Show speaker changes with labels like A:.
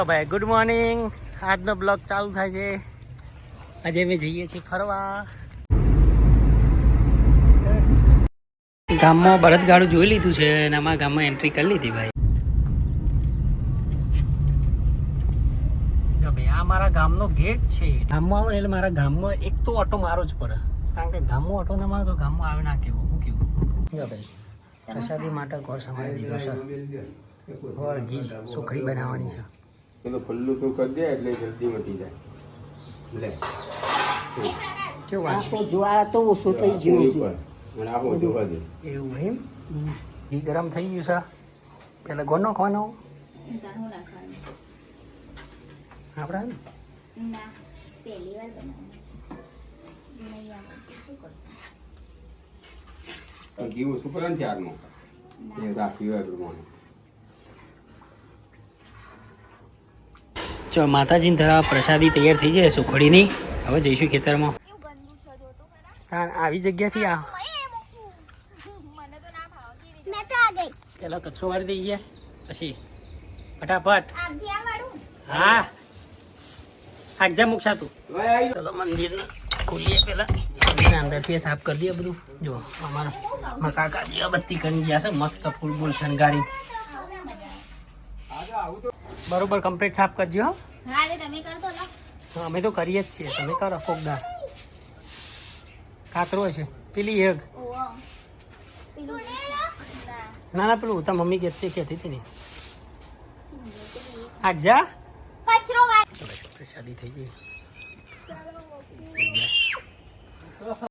A: ભાઈ good morning. આજનો blog ચાલુ થાય છે. આજે અમે જઈએ છીએ ફરવા. ગામમાં બળદગાડું જોઈ લીધું છે અને અમારા ગામમાં એન્ટ્રી કરી લીધી ભાઈ. ભાઈ આ મારા ગામનો ગેટ છે. ગામમાં આવો એટલે મારા ગામમાં એક તો ઓટો મારો જ પડે, કારણ કે ગામમાં ઓટો ના મારો તો ગામમાં આવે ના કેવું શું કેવું. ભાઈ પ્રસાદી માટે ઘર સંભાળી દીધો છે. ઘર ઘી સુખડી બનાવવાની છે.
B: તો ફલ્લું તો કરી દે એટલે જલ્દી મટી જાય. લે
A: કેવું આ
C: જોવા તો ઓછું થઈ ગયું છે.
B: અને આખો જોવા દે
A: એવું એમ. ઘી ગરમ થઈ ગયું છે. પેલા ગોળ નાખવાનો આપણે
B: ઘી ઓછું કરે ને ત્યારનું એ રાખ્યું હોય પ્રમાણે.
A: જો માતાજીને ધરા પ્રસાદી તૈયાર થઈ જાય સુખડીની. હવે જઈશું ખેતરમાં. આવી જગ્યાથી આ પેલા કચરો વાળી દઈ ગયા પછી ફટાફટ. હા આગજા મૂકશા તું. ચલો મંદિર ખોલીએ પેલા અંદરથી સાફ કરી દઈએ બધું. જો અમારા કાકાજી બત્તી કરી ગયા છે મસ્ત ફૂલ બૂલ શણગારી. બરોબર કમ્પ્લીટ સાફ કરજો. અમે તો કરીએ જ છીએ, તમે કરો ફોકદાર. કાતરો છે પેલી એક ના ના પેલું તાર મમ્મી કહેતી હતી ને આગજા પ્રસાદી થઈ ગઈ.